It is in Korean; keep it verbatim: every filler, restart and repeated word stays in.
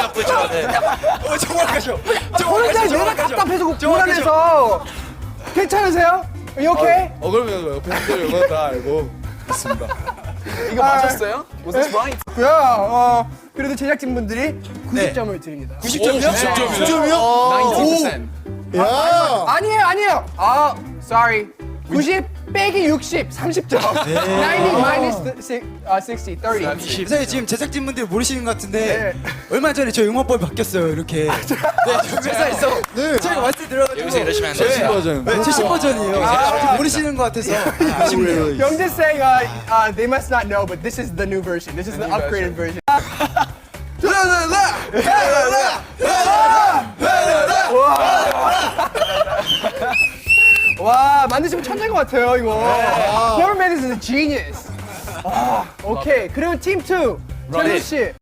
나쁘죠. 네. 어, 정확하죠. 혼자 내가 답답해서 불안해서 괜찮으세요? 이렇게? 어, 그러면 옆에 분들이 이거 다 알고 있습니다. 이거 맞았어요? Was this right? 고요. 어, 그래도 제작진분들이 구십 점을 드립니다. 구십 점이요? 구십 점이요? 구십 점이요? ninety percent. 야. 아니에요, 아니에요. 아, sorry. 구십 빼기 육십, 삼십 점. ninety minus sixty, thirty. 선생님 지금 제작진분들 모르시는 것 같은데 네. 얼마 전에 저희 응원법이 바뀌었어요 이렇게. 네, 회사에서 네. 저희가 말씀 들어가지고 여기서 이러시면 안 칠십 돼요. 버전. 네, 칠십 버전이에요. 아, 모르시는 것 같아서 아쉽네요. Young's saying, uh, uh, they must not know, but this is the new version. This is the upgraded version. 와, 만드시면 천재인 것 같아요, 이거. Whoever made this is a genius. 아, 오케이. 그리고 팀 투, 찬우 씨.